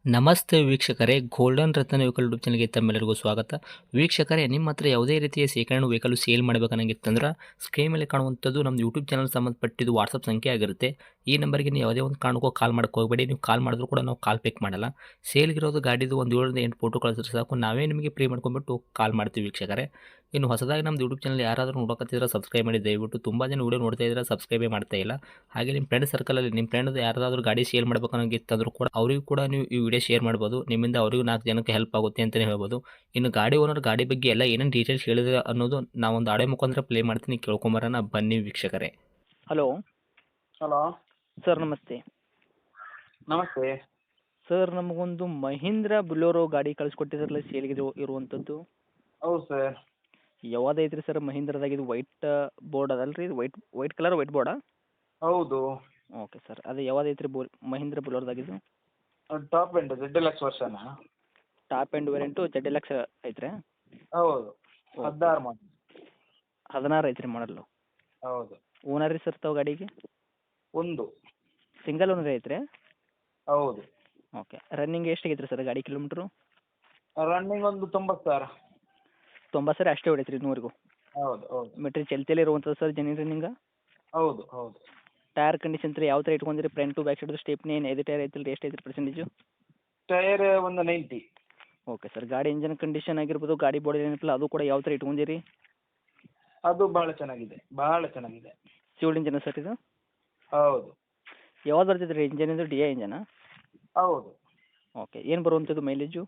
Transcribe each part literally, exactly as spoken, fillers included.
ನಮಸ್ತೆ ವೀಕ್ಷಕರೇ, ಗೋಲ್ಡನ್ ರತ್ನ vehicle YouTube ಚಾನಲ್ಗೆ ತಮ್ಮೆಲ್ಲರಿಗೂ ಸ್ವಾಗತ. ವೀಕ್ಷಕರೇ, ನಿಮ್ಮ ಹತ್ರ ಯಾವುದೇ ರೀತಿಯ ಶೇಖರಣೆ ವೆಹಿಕಲ್ ಸೇಲ್ ಮಾಡಬೇಕನ್ನಂಗಿತ್ತಂದ್ರೆ ಸ್ಕ್ರೀನ್ ಮೇಲೆ ಕಾಣುವಂಥದ್ದು ನಮ್ಮ ಯೂಟ್ಯೂಬ್ ಚಾನಲ್ ಸಂಬಂಧಪಟ್ಟಿದ್ದು ವಾಟ್ಸಪ್ ಸಂಖ್ಯೆ ಆಗಿರುತ್ತೆ. ಈ ನಂಬರ್ಗೆ ನೀವು ಯಾವುದೇ ಒಂದು ಕಾರಣಕ್ಕೂ ಕಾಲ್ ಮಾಡಕ್ಕೆ ಹೋಗಬೇಡಿ. ನೀವು ಕಾಲ್ ಮಾಡಿದ್ರು ಕೂಡ ನಾವು ಕಾಲ್ ಪಿಕ್ ಮಾಡಲ್ಲ. ಸೇಲ್ಗಿರೋದು ಗಾಡಿದು ಒಂದು ಏಳರಿಂದ ಎಂಟು ಫೋಟೋ ಕಳಿಸಿದ್ರೆ ಸಾಕು, ನಾವೇ ನಿಮಗೆ ಪ್ರೀ ಮಾಡ್ಕೊಂಡ್ಬಿಟ್ಟು ಕಾಲ್ ಮಾಡ್ತೀವಿ ವೀಕ್ಷಕರೇ. ಇನ್ನು ಹೊಸದಾಗಿ ನಮ್ಮದು ಯೂಟ್ಯೂಬ್ ಚಾನಲ್ ಯಾರಾದರೂ ನೋಡೋಕತ್ತಿದ್ರೆ ಸಬ್ಸ್ಕ್ರೈಬ್ ಮಾಡಿ ದಯವಿಟ್ಟು. ತುಂಬ ಜನ ವೀಡಿಯೋ ನೋಡ್ತಾ ಇದ್ದಾರೆ, ಸಬ್ಸ್ಕ್ರೈಬೇ ಮಾಡ್ತಾ ಇಲ್ಲ. ಹಾಗೆ ನಿಮ್ಮ ಫ್ರೆಂಡ್ ಸರ್ಕಲಲ್ಲಿ ನಿಮ್ಮ ಫ್ರೆಂಡ್ ಯಾರಾದರೂ ಗಾಡಿ ಸೇಲ್ ಮಾಡಬೇಕನ್ನೋಂಗಿತ್ತಂದ್ರೂ ಕೂಡ ಅವರಿಗೂ ಕೂಡ ನೀವು ಈ ವಿಡಿಯೋ ಶೇರ್ ಮಾಡ್ಬೋದು. ನಿಮ್ಮಿಂದ ಅವರಿಗೂ ನಾಲ್ಕು ಜನಕ್ಕೆ ಹೆಲ್ಪ್ ಆಗುತ್ತೆ ಅಂತಲೇ ಹೇಳ್ಬೋದು. ಇನ್ನು ಗಾಡಿ ಓನರ್ ಗಾಡಿ ಬಗ್ಗೆ ಎಲ್ಲ ಏನೇನು ಡೀಟೇಲ್ಸ್ ಹೇಳಿದ್ರೆ ಅನ್ನೋದು ನಾವೊಂದು ಆಡೆ ಮುಖಾಂತರ ಪ್ಲೇ ಮಾಡ್ತೀನಿ, ಕೇಳ್ಕೊಂಬರೋಣ ಬನ್ನಿ ವೀಕ್ಷಕರೇ. ಹಲೋ ಹಲೋ ಸರ್, ನಮಸ್ತೆ. ನಮಸ್ತೆ. ಸರ್, ನಮಗೊಂದು ಮಹೀಂದ್ರ ಬುಲೋರೋ ಗಾಡಿ ಕಳಿಸ್ಕೊಟ್ಟಿದ್ರಲ್ಲ ಸೇಲ್ಗೆ ಇರುವಂಥದ್ದು, ಹೌದು ಸರ್. ಯಾವ್ದು ಐತ್ರಿ ಸರ್? ಮಹೀಂದ್ರದಾಗ ಇದು ವೈಟ್ ಬೋರ್ಡ್ ಅದಲ್ಲ ರೀ, ಇದು ವೈಟ್ ವೈಟ್ ಕಲರ್ ವೈಟ್ ಬೋರ್ಡಾ? ಹೌದು. ಓಕೆ ಸರ್, ಅದು ಯಾವ್ದು ಐತ್ರಿ ಬೋ ಮಹೀಂದ್ರ ಬುಲೋರ್ದಾಗಿದ್ದು? Top end Z L X ವರ್ಷನ. Top end variant Z L X ಐತ್ರಿ? ಹೌದು. ಹದಿನಾರು ಮಾಡಿ. ಹದಿನಾರು ಐತ್ರಿ ಮಾಡಲ್ಲು? ಹೌದು. ಓನರ್ ರೀ ಸರ್ ತಾವು ಗಾಡಿಗೆ? ಒಂದು. ಸಿಂಗಲ್ ಓನರ್ ಐತ್ರಿ? ಹೌದು. ಓಕೆ. ರನ್ನಿಂಗ್ ಎಷ್ಟು ಆಗೈತ್ರಿ ಸರ್ ಗಾಡಿ ಕಿಲೋಮೀಟ್ರು? ರನ್ನಿಂಗ್ ಒಂದು ತೊಂಬತ್ತು ಸಾವಿರ. ತೊಂಬತ್ತು ಸಾವಿರ ಅಷ್ಟೇ ಹೊಡೈತ್ರಿ ನೂರಿಗೂ? ಹೌದು ಹೌದು. ಮೀಟ್ರ್ ಚಲ್ತಿಯಲ್ಲಿ ಇರುವಂಥದ್ದು ಸರ್ ಜೆನ್ಯೂನ್ ರನ್ನಿಂಗ? ಹೌದು ಹೌದು. ಟೈರ್ ಕಂಡೀಷನ್ ರೀ ಯಾವ ಥರ ಇಟ್ಕೊಂಡಿರಿ? Front to back side stepney ಏನು ಐದು ಟೈರ್ ಐತಿಲ್ಲ ರೀ, ಎಷ್ಟು ಐತ್ರಿ ಪರ್ಸೆಂಟೇಜು? ಟೈರ್ ಒಂದು ನೈಂಟಿ. Okay sir. ಗಾಡಿ ಇಂಜನ್ ಕಂಡೀಷನ್ ಆಗಿರ್ಬೋದು, ಗಾಡಿ ಬಾಡಿ ಏನಿಲ್ಲ ಅದು ಕೂಡ ಯಾವ ಥರ ಇಟ್ಕೊಂಡಿರಿ? ಅದು ಭಾಳ ಚೆನ್ನಾಗಿದೆ, ಭಾಳ ಚೆನ್ನಾಗಿದೆ. ಸಿವಿಲ್ ಇಂಜನ್ ಸರ್ ಇದು? ಹೌದು. ಯಾವ್ದು ಬರ್ತೈತೆ ರೀ ಇಂಜನ್ ಇದು? ಡಿ ಐ ಇಂಜನಾ? ಹೌದು. ಓಕೆ. ಏನು ಬರುವಂಥದ್ದು ಮೈಲೇಜು?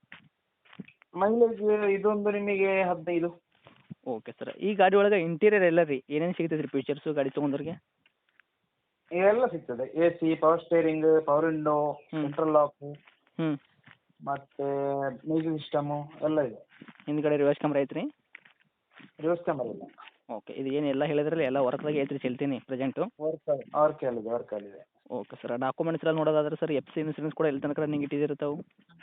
ಮೈಲೇಜ್ ಇದೊಂದು ನಿಮಗೆ ಹದಿನೈದು. Okay sir. ಈ ಗಾಡಿ ಒಳಗೆ ಇಂಟೀರಿಯರ್ ಎಲ್ಲ ರೀ ಏನೇನು ಸಿಗ್ತೈತೆ ರೀ ಫೀಚರ್ಸು ಗಾಡಿ ತೊಗೊಂಡ್ರಿಗೆ? ಇವೆಲ್ಲ ಸಿಗ್ತದೆ. A C, power steering, power window, ಹ್ಮ್. ಸೆಂಟ್ರಲ್ ಲಾಕು, ಹ್ಞೂ. ಮತ್ತು ಮ್ಯೂಸಿಕ್ ಸಿಸ್ಟಮು ಎಲ್ಲ ಇದೆ. ಹಿಂದ್ಗಡೆ ರಿವರ್ಸ್ ಕ್ಯಾಮ್ರಾ ಐತ್ರಿ? ರಿವರ್ಸ್ ಕ್ಯಾಮರಾ ಇಲ್ಲ. ಓಕೆ. ಇದು ಏನು ಎಲ್ಲ ಹೇಳಿದ್ರಲ್ಲ ಎಲ್ಲ ವರ್ಕ್ದಾಗೆ ಐತ್ರಿ ಚಲ್ತೀನಿ ಪ್ರೆಸೆಂಟು? ವರ್ಕ್ ವರ್ಕ್ ಅಲ್ಲಿದೆ ವರ್ಕ್ ಅಲ್ಲಿದೆ. Okay sir. ಡಾಕ್ಯುಮೆಂಟ್ಸ್ ಎಲ್ಲ ನೋಡೋದಾದ್ರೆ ಸರ್ ಎಫ್ ಸಿ ಇನ್ಸೂರೆನ್ಸ್ ಕೂಡ ಎಲ್ಲಿ ತನಕ ರನ್ನಿಂಗ್ ಇಟ್ಟಿದ್ದೀರಿ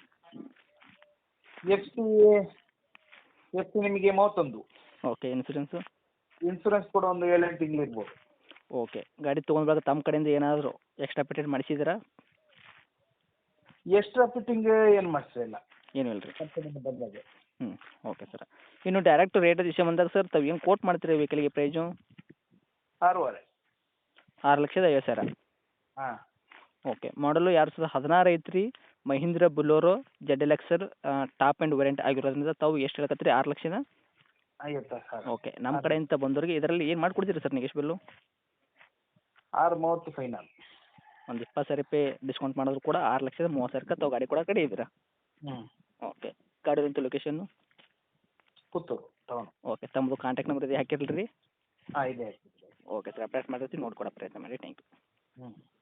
ಎಫ್ ಸಿ ಎಫ್ ಸಿ ನಿಮಗೆ ಮೂವತ್ತೊಂದು. ಓಕೆ. ಇನ್ಸೂರೆನ್ಸು? ಇನ್ಸೂರೆನ್ಸ್ ಕೂಡ ಒಂದು ಏಳೆಂಟು ತಿಂಗಳು ಇರ್ಬೋದು. ಓಕೆ. ಗಾಡಿ ತೊಗೊಂಡಾಗ ತಮ್ಮ ಕಡೆಯಿಂದ ಏನಾದರೂ ಎಕ್ಸ್ಟ್ರಾ ಪೇಟೆಂಟ್ ಮಾಡಿಸಿದ್ದೀರಾ? ಎಕ್ಸ್ಟ್ರಾ ಫಿಟ್ಟಿಂಗ್ ಏನು ಮಾಡಿಸಿಲ್ಲ, ಏನೂ ಇಲ್ಲ ರೀ? ಕಂಪನಿಯಿಂದ ಬಂದಾಗೆ. ಹ್ಞೂ. Okay sir. ಇನ್ನು ಡೈರೆಕ್ಟ್ ರೇಟ್ ವಿಷಯ ಬಂದಾಗ ಸರ್ ತಾವು ಏನು ಕೋಟ್ ಮಾಡ್ತೀರಿ ವೆಹಿಕಲ್ಗೆ ಪ್ರೈಸು? ಆರೂವರೆ. ಆರು ಲಕ್ಷದ ಐವತ್ತು ಸಾವಿರ? ಹಾಂ. ಓಕೆ. ಮಾಡಲು ಎರಡು ಸಾವಿರದ ಹದಿನಾರು ಐತ್ರಿ, Mahindra Bolero Z L X top end variant ಆಗಿರೋದ್ರಿಂದ ತಾವು ಎಷ್ಟು ಹೇಳಕತ್ತೀರಿ? ಆರು ಲಕ್ಷದ ಐವತ್ತು ಸಾವಿರ. ಓಕೆ. ನಮ್ಮ ಕಡೆಯಿಂದ ಬಂದವ್ರಿಗೆ ಇದರಲ್ಲಿ ಏನು ಮಾಡಿಕೊಡ್ತೀರಿ ಸರ್ ನೆಗೆಸ್ಟ್ ಬಿಲ್ಲು? ಆರು ಮೂವತ್ತು ಫೈನಲ್. ಒಂದು ಇಪ್ಪತ್ತು ಸಾವಿರ ರೂಪಾಯಿ ಡಿಸ್ಕೌಂಟ್ ಮಾಡಿದ್ರು ಕೂಡ ಆರು ಲಕ್ಷದ ಮೂವತ್ತು ಸಾವಿರಕ್ಕೆ ತಾವು ಗಾಡಿ ಕೊಡೋ ಕಡೆ ಇದ್ದೀರಾ? ಹ್ಞೂ. ಓಕೆ. ಗಾಡಿದಂತ ಲೊಕೇಶನ್ನು? ಪುತ್ತೂರು ಟೌನ್. ಓಕೆ. ತಮ್ಮದು ಕಾಂಟ್ಯಾಕ್ಟ್ ನಂಬರ್ ಇದೆ ಹಾಕಿರಲಿ ರೀ? ಹಾಂ ಇದೆ. Okay sir. ಅಪ್ಡೇಟ್ ಮಾಡಿರ್ತೀವಿ, ನೋಡ್ಕೊಡೋ ಪ್ರಯತ್ನ ಮಾಡಿ. Thank you. ಹ್ಞೂ.